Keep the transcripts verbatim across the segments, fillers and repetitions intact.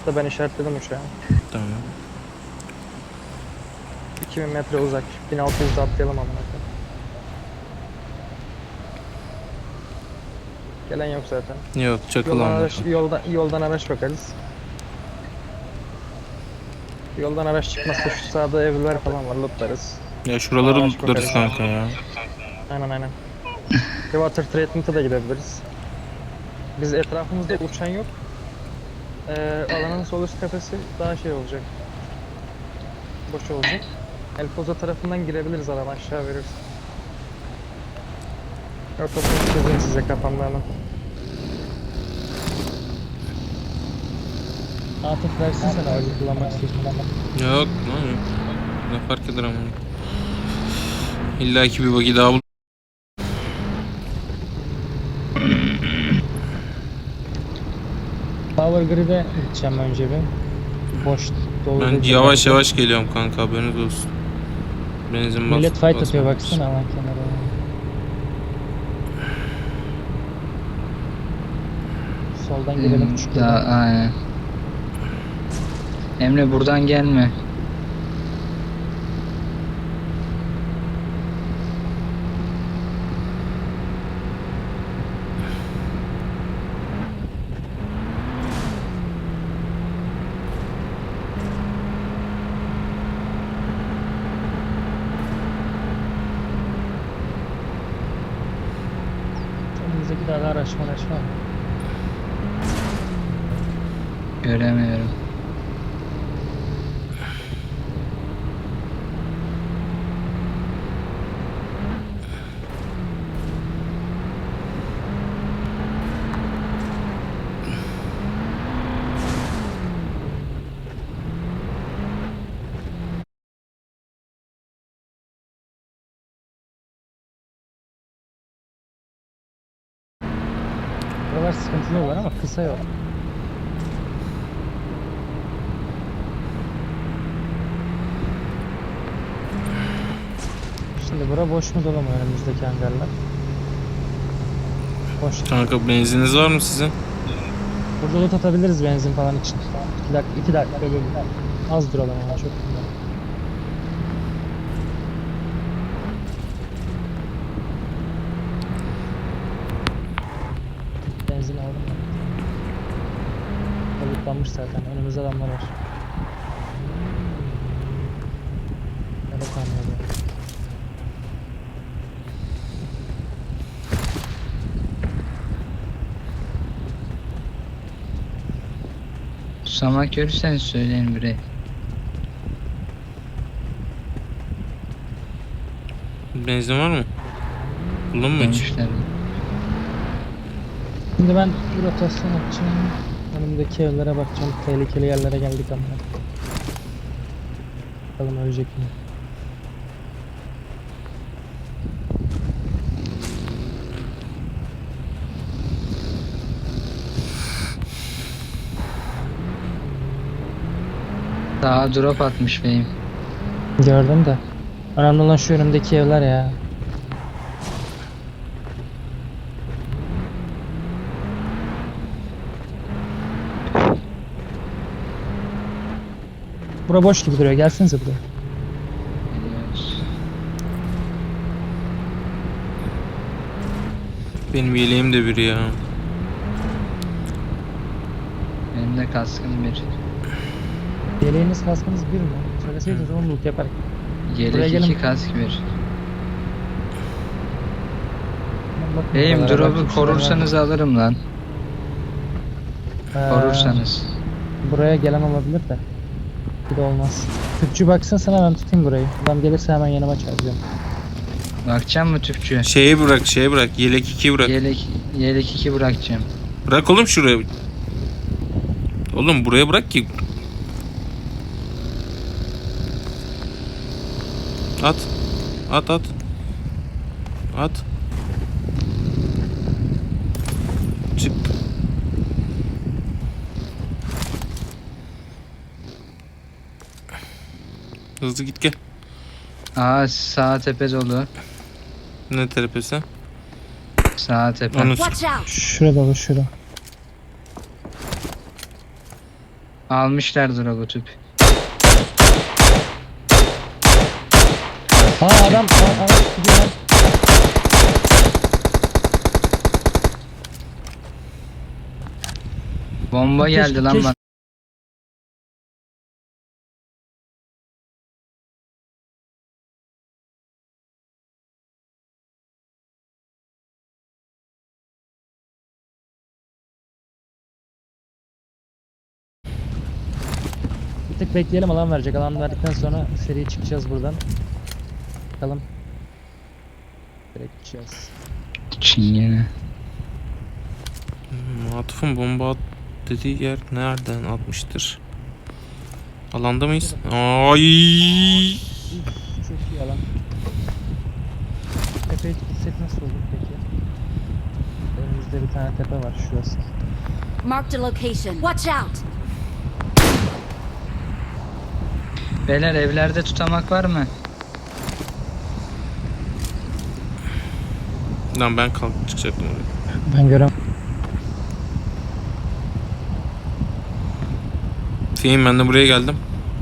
tarafta, ben işaretledim uçağı. Tamam. iki bin metre uzak. bin altı yüzde atlayalım amına koyayım. Gelen yok zaten. Yok çakıl Yoldan onda. araç, yoldan, yoldan araç bakarız. Yoldan araç çıkmazsa şu sağda evler falan var, lootlarız. Ya Sonra şuraları araç lootlarız bakarız. kanka ya. Aynen aynen. Water Treatment'a da gidebiliriz. Biz etrafımızda uçan yok. Ee, alanın sol üst tepesi daha şey olacak. Boş olacak. El Pozo tarafından girebiliriz, alan aşağı verirsin. Ortasını çizeyim size kafamda hemen. Atıf versin sen aracı kullanmak istiyorsun. Yok lan yok. Ne fark eder ama. İlla ki bir bagi daha bul. Power Grid'e gideceğim önce bir. Boş dolu Ben değil yavaş genelde. yavaş geliyorum kanka, haberiniz olsun. Benzin bas. Millet fight basma. atıyor baksana alan kenara. Soldan girelim Hmm, küçük daha yoldan. aynen. Emre buradan gelme. Önümüzdeki dağda araç araç var mı? Göremiyorum. Buralar sıkıntılı yollar ama kısa yol. Şimdi bura boş mu dolu mu önümüzdeki hangarlar? Boş. Kanka benziniz var mı sizin? Burada loot atabiliriz benzin falan için. iki dakika, iki dakika böyle. Az duralım ama çok. Benzin aldım ben. Lootlanmış zaten. Önümüzde adamlar var. Evet anladım. Susamak görürseniz söyleyin bre. Benzin var mı? Buldun mu hiç? Dönmüşler. Şimdi ben bir rotasyon yapacağım. Önümdeki evlere bakacağım. Tehlikeli yerlere geldik ama. Bakalım ölecek mi? Daha drop atmış beyim. Gördüm de. Önemli olan şu önümdeki evler ya. Bura boş gibi duruyor. Gelsenize buraya. Geliyoruz. Benim yeleğim de biri ya. Benim de kaskım bir. Yeleğiniz kaskınız bir mi? Söyleseydiniz onu loot yaparım. Buraya Yelek gelin. iki kask bir. Bakın Beyim buralara, drop'u bakayım şuralara. korursanız alırım lan. Ee, Korursanız. Buraya gelen olabilir de. Bir de olmaz. Tüpçü baksın sana, ben tutayım burayı. Adam gelirse hemen yanıma çağıracağım. Bakacağım mı tüpçü? Şeyi bırak, şeye bırak. Yelek iki bırak. Yelek, yelek iki bırakacağım. Bırak oğlum şuraya. Oğlum buraya bırak ki. At. At at. At. Çık. Hızlı git gel. Aa sağ tepe dolu. Ne terapisi? Sağ tepe. Onu Watch out! Şurada bu şurada. Almışlardır o bu tüp. Aa adam aa, araç gidiyor lan. Bomba Keşke- geldi lan keşke- bana. Bir tık bekleyelim, alan verecek. Alan verdikten sonra seri çıkacağız buradan. Bakalım. Direkt gideceğiz. Çingene. Hmm, Atıf'ın bomba at dediği yer nereden atmıştır? Alanda mıyız? Ay! Üf, çok iyi alan. Tepeye gitsek nasıl olur peki? Önümüzde bir tane tepe var, şurası. Marked a location. Watch out! Beyler evlerde tutamak var mı? Lan ben kalk çıkacaktım oraya. Ben görem. Fehim ben de buraya geldim.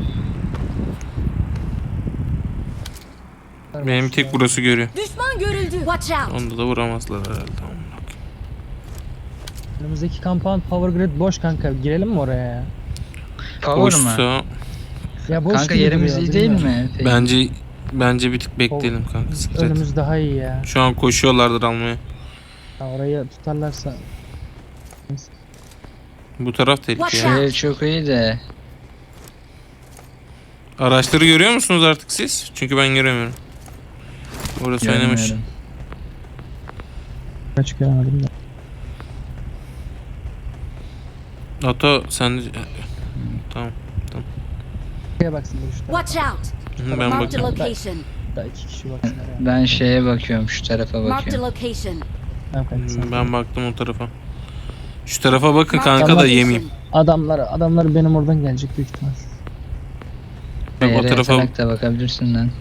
Benim tek burası görüyor. Düşman görüldü. Watch out! Onda da vuramazlar herhalde. Amına koyayım. Önümüzdeki compound power grid boş kanka. Girelim mi oraya ya? Power mu? Boşsa Ya boş Kanka gibi yerimiz duruyor, iyi değil bilmiyorum. mi? Peki. bence bence bir tık bekleyelim kanka. Sikret. Önümüz daha iyi ya. Şu an koşuyorlardır almaya. Ha, orayı tutarlarsa. Bu taraf tehlikeli. Watch ya. out. Ev çok iyi de. Araçları görüyor musunuz artık siz? Çünkü ben göremiyorum. Orası oynamış. Görmüyorum. Kaç göremedim de. Ato sen de... Tamam. Şuraya baksın dur şu tarafa. Watch out! Hı, Ben Marked a bakayım. location. Da iki kişi baksın oraya. Ben şeye bakıyorum, şu tarafa Marked a bakıyorum. location. Tamam kanka, sen- Hmm, Ben baktım o tarafa. Şu tarafa bakın Marked a kanka da location. yemeyeyim. Adamlar, adamlar benim oradan gelecek büyük ihtimal. Bak o Yere tarafa yatarak da bakabilirsin lan.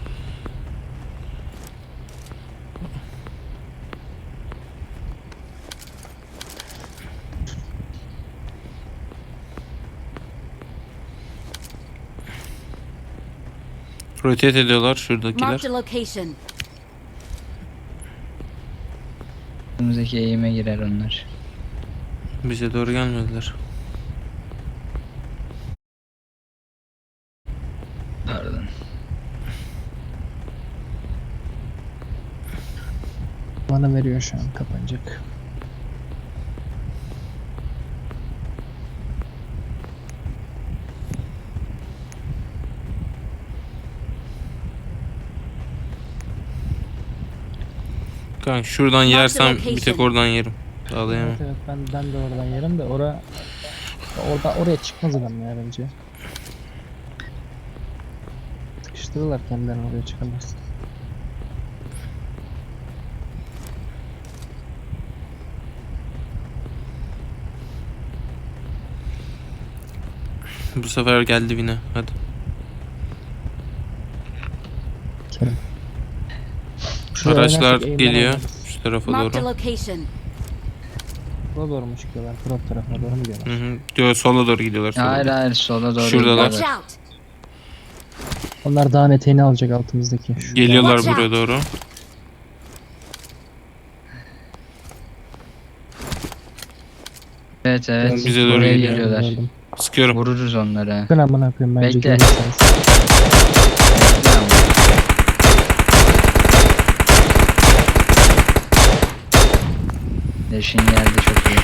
rotate ediyorlar şuradakiler. Marked a location. Önümüzdeki eğime girer onlar. Bize doğru gelmediler. Pardon. Bana veriyor şu an, kapanacak. Kanka şuradan Mark the yersem bir location. tek oradan yerim. Daha da yemem. Evet, evet ben, ben de oradan yerim de ora orada oraya çıkmaz adam ya bence. Sıkıştırırlar kendilerini, oraya çıkamaz. Bu sefer geldi yine. Hadi. Kerim. Şuraya Araçlar oynarsak eğimden geliyor. oynarız. Şu tarafa Marked a doğru. location. Buraya doğru mu çıkıyorlar? Prop tarafına doğru mu gidiyorlar? Hı hı. Diyor sola doğru gidiyorlar. Sola Hayır doğru. hayır, sola doğru Şuradalar. Watch gidiyorlar. out! Onlar dağın eteğini alacak altımızdaki. Şurada. Geliyorlar Watch buraya out. doğru. Evet evet. Bize doğru Buraya geliyor. geliyorlar. Gördüm. Sıkıyorum. Vururuz onları. Bakın amına koyayım, bence Bekle. görürseniz. Bekle ama. Leşin geldi, çok iyi.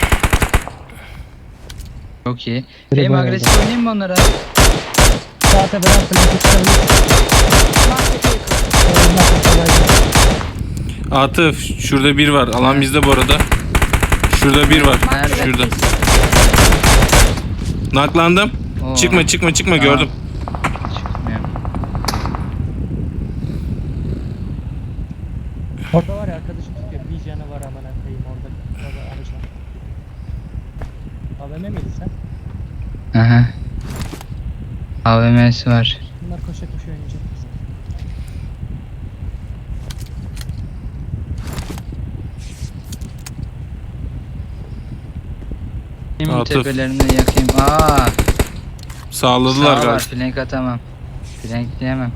Çok iyi. Biri Benim bayağı agresif oynayayım mı onlara? Sağ tepeden flank çıkabilir. Marked a vehicle. Ondan sonra Atıf şurada bir var. Alan bizde bu arada. Şurada bir var. Marked a Şurada. location. Naklandım. Oo, Çıkma çıkma çıkma Tamam. gördüm. çıkmıyor. orada var ya, arkadaşım tutuyor. Bir canı var amına koyayım orada. Orada araç var. A V M miydi sen? Aha. A V M'si var. Bunlar koşa koşa oynayacak bize. Benim Atıf. tepelerini yakayım. Aa, Sağladılar Sağ galiba. var, flank atamam. Flank diyemem.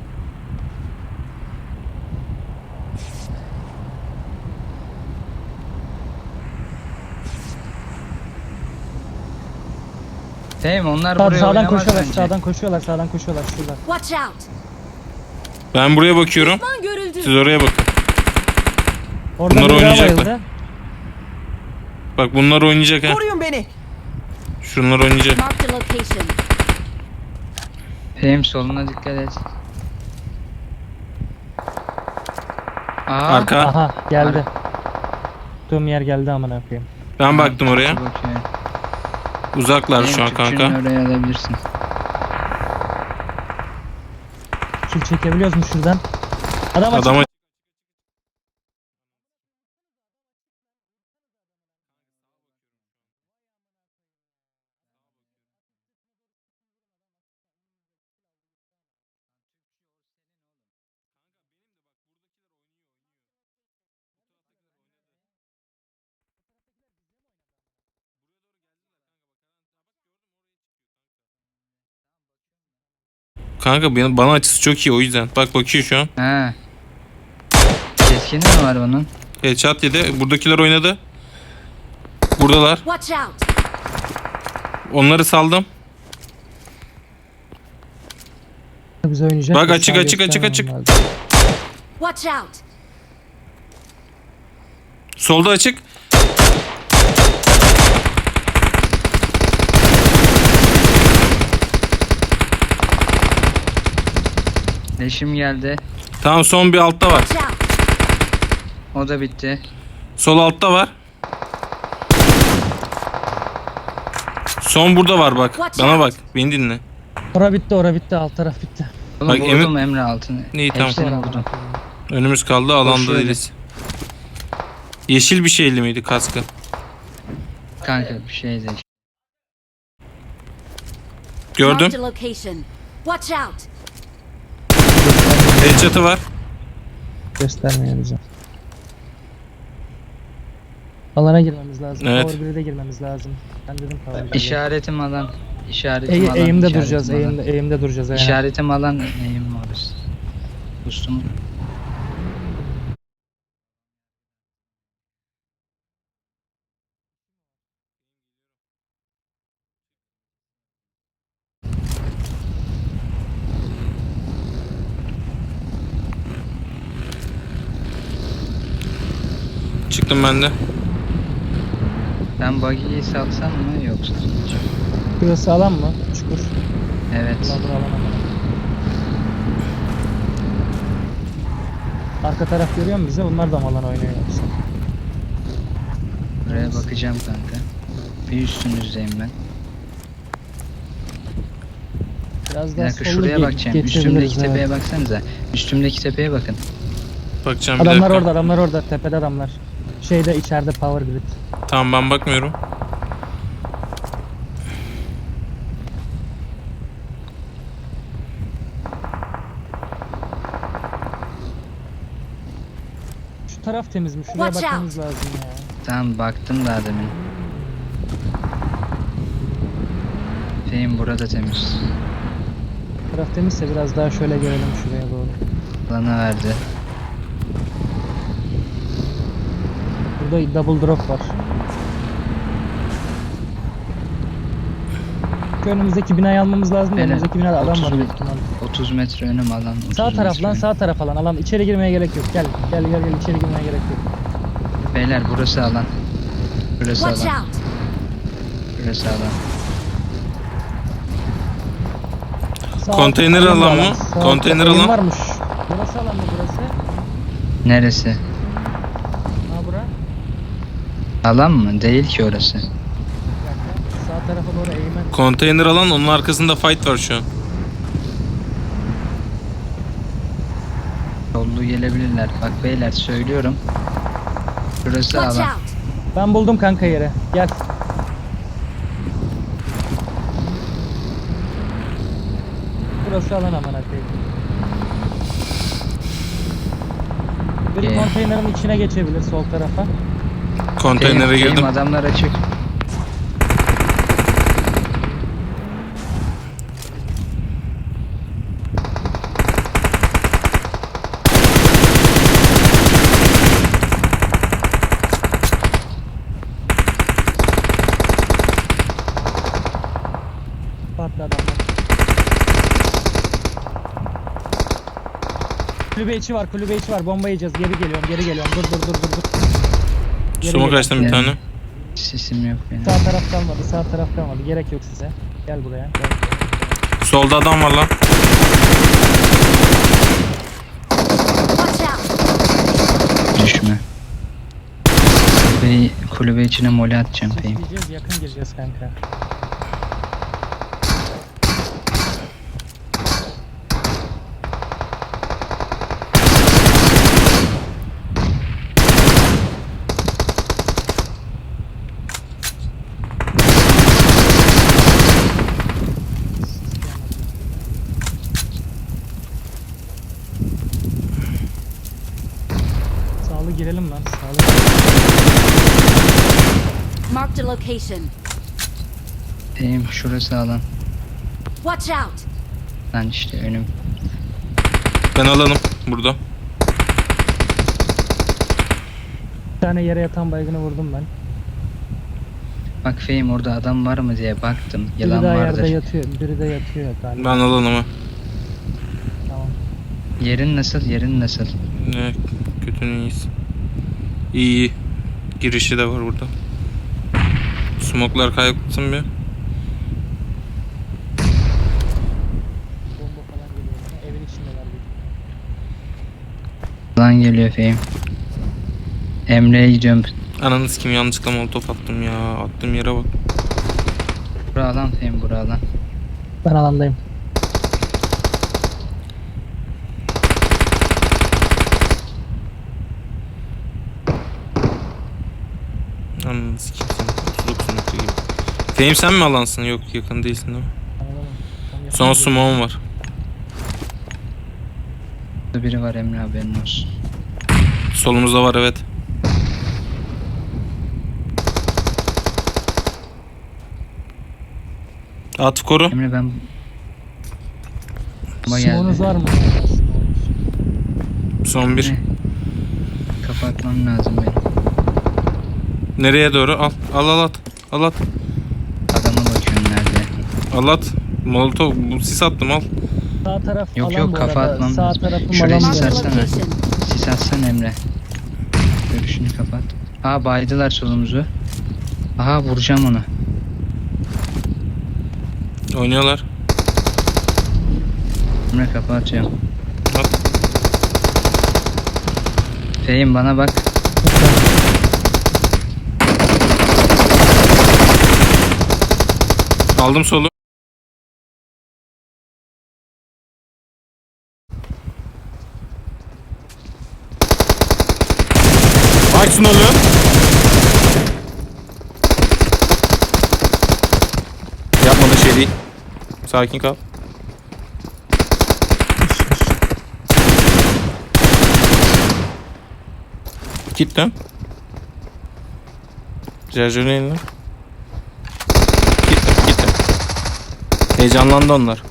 Değil mi? Onlar Sağ, buraya sağdan oynamaz koşuyorlar, bence. sağdan koşuyorlar, sağdan koşuyorlar şurada. Watch out. Ben buraya bakıyorum. Düşman görüldü. Siz oraya bakın. Orada Bunlar bir daha oynayacaklar. bayıldı. Bak bunlar oynayacak ha. Koruyun beni. Şunlar oynayacak. Marked a location. Benim soluna dikkat et. Aa, Arka. Aha geldi. Tuttuğum yer geldi amına koyayım. Ben baktım oraya. bakıyor. Uzaklar şu an Benim kanka. tüpçünü oraya alabilirsin. Kill çekebiliyoruz mu şuradan? Adam açık. Adama kanka benim- bana açısı çok iyi o yüzden. Bak bakıyor şu an. He. Keskini mi var onun? Headshot yedi. Buradakiler oynadı. Buradalar. Watch out. Onları saldım. Biz oynayacak. Bak da açık, sağ açık, açık, göstermem açık. lazım. Watch out. Solda açık. Leşim geldi. Tamam son bir altta var. Watch out. O da bitti. Sol altta var. Son burada var bak. Watch Bana out. bak. Beni dinle. Ora bitti, ora bitti, alt taraf bitti. Oğlum Bak, vurdum Emre- Emre altını. İyi, tamam. Hepsini Sonra vurdum. amına koyayım. Önümüz kaldı. Alanda Koşuyor. değiliz. Yeşil bir şeyli miydi kaskı? Kanka bir şey de. Gördüm. Marked a location. Watch out. Headshot'ı var. Göstermiyor bize. Alana girmemiz lazım. Evet. Power bir'e de girmemiz lazım. Ben dedim Power bir'e. İşaretim alan. İşaretim Eğ- alan. eğimde işaretim duracağız, alan. eğimde, eğimde duracağız. aynen. İşaretim alan eğim orası. Ustum. Çıktım ben de. Ben buggy'yi salsam mı yoksa? Burası alan mı? Çukur. Evet. Ulan dur, alan alan. Arka taraf görüyor musun bize? Onlar da mı alan oynuyor yoksa? Buraya bakacağım kanka. Bir üstünüzdeyim ben. Biraz Bir daha dakika sollu şuraya ge- bakacağım. geçebiliriz, Üstümdeki evet. tepeye baksanıza. Üstümdeki tepeye bakın. Bakacağım bir Adamlar dakika. orada, adamlar orada. Tepede adamlar. Şeyde içeride Power Grid. Tamam ben bakmıyorum. Şu taraf temiz mi? Şuraya Watch bakmamız lazım ya. Tamam baktım daha demin. Şeyim burada temiz. Taraf temizse biraz daha şöyle gelelim şuraya doğru. Bana verdi. Burada double drop var. Şu önümüzdeki binayı almamız lazım. da Aynen. Önümüzdeki binada adam var otuz büyük ihtimalle. otuz metre önüm alan. otuz Sağ taraf metre lan, önüm. sağ taraf alan. Alan içeri girmeye gerek yok. Gel, gel, gel, gel içeri girmeye gerek yok. Beyler burası alan. Burası Watch alan. out. Burası alan. Sağ Konteyner alan da alan mı? Sağ Konteyner eğim alan. varmış. Burası alan mı burası? Neresi? Ha bura. Alan mı? Değil ki orası. Bir dakika. Sağ tarafa doğru eğime. Konteyner alan, onun arkasında fight var şu an. Sollu gelebilirler. Bak beyler söylüyorum. Burası Watch alan. out. Ben buldum kanka yeri. Gel. Burası alan aman koyayım. Biri Ee. konteynerin içine geçebilir sol tarafa. Konteynere Şeyim, girdim. adamlar açık. Tepe attı adamlar. Kulübe içi var, kulübe içi var. Bomba yiyeceğiz. Geri geliyorum, geri geliyorum. Dur dur dur dur dur. Geri Smoke geliyorum. açtım bir Yani. tane. Sesim yok benim. Sağ taraf kalmadı, sağ taraf kalmadı. Gerek yok size. Gel buraya. Gel. Solda adam var lan. Watch out! Düşme. Kulübe, kulübe içine mole atacağım Fehim. Çekeceğiz, yakın gireceğiz kanka. Sağlı girelim lan, sağlı. Marked a location. Fehim şurası alan. Watch out! Lan işte önüm. Ben alanım burada. Bir tane yere yatan baygını vurdum ben. Bak Fehim orada adam var mı diye baktım. Biri Yalan daha vardır. yerde yatıyor, biri de yatıyor galiba. Ben alanıma. Tamam. Yerin nasıl? Yerin nasıl? Ne kötünün iyisi. İyi iyi. Girişi de var burada. Smoklar kayaktım bir. Bomba falan geliyor bana. Evin içindeler bir. Lan geliyor Fehim. Emre'ye gidiyorum. Ananı sikim yanlışlıkla molotof attım ya. Attığım yere bak. Bura alan Fehim bura alan. Ben alandayım. Ananı sikim seni. otuz dokuz nokta gibi. Fehim sen mi alansın? Yok yakın değilsin değil mi? Anladın mı? Tam yakın Son değil. smoke'um var. Burada biri var Emre haberin olsun. Solumuzda var evet. At koru. Emre ben... Bomba Smoke'unuz geldi. var mı? Son bir. Ne? Kapatmam lazım benim. Nereye doğru? Al. Al al at. Al at. Adama bakıyorum nerede. Al at. Molotov. Bu sis attım al. Sağ taraf Yok, alan yok, bu kafa arada. atmam Sağ lazım. tarafım Şuraya alan bu sis Marked a arada. atsana. location. Sis atsan Emre. Görüşünü kapat. Aa baydılar solumuzu. Aha vuracağım onu. Oynuyorlar. Emre kapatıyorum. At. Fehim bana bak. Aldım solu. Açsın oluyor. Yapmadığın şey değil. Sakin kal. Git dön. Şarjörün eline. Gittim gittim. Heyecanlandı onlar.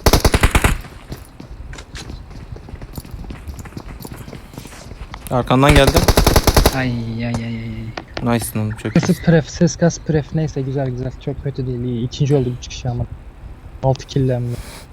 Arkandan geldi. Ay ay ay ay. Nice lan çok iyi. Ses pref, ses kas pref neyse güzel güzel. Çok kötü değil iyi. İkinci oldu bu çıkışı ama. altı kill'le hem de.